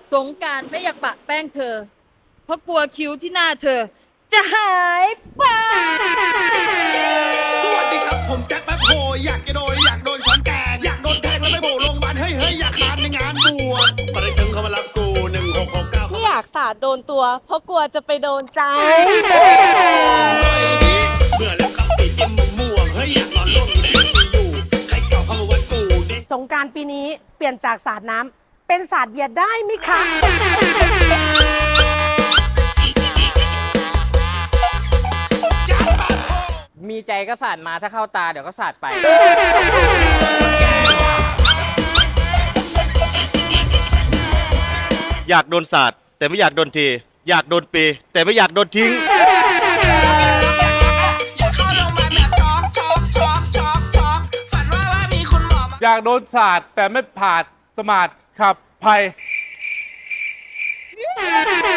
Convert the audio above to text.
สงกรานต์ไม่อยากปะแป้งเธอ เพราะกลัวคิ้วที่หน้าเธอ จะหายไปสวัสดีครับผมแจ็คแป๊บโฮอยากจะโดนช้อนแกงอยากโดนแทงแล้วไม่โผล่โรงพยาบาลเฮ้ยอยากคานในงานบวชปริถึงเขามารับกู1669 ไม่อยากสาดโดนตัว เพราะกลัวจะไปโดนใจเมื่อแล้วครับปีจิ้มม่วงเฮ้ยอยากนอนร่วงอยู่ในซียูใครเก่าเข้ามาวัดกูดิสงกรานต์ปีนี้เปลี่ยนจากสาดน้ำเป็นสาดเบียร์ได้ไหมคะมีใจก็สาดมาถ้าเข้าตาเดี๋ยวก็สาดไปอยากโดนสาดแต่ไม่อยากโดนที อยากโดนปีแต่ไม่อยากโดนทิ้งอยากเข้าโรงพยาบาลแบบช็อกฝันว่ามีคุณหมอมาอยากโดนสาดแต่ไม่ผ่านสมาร์ทขับภัย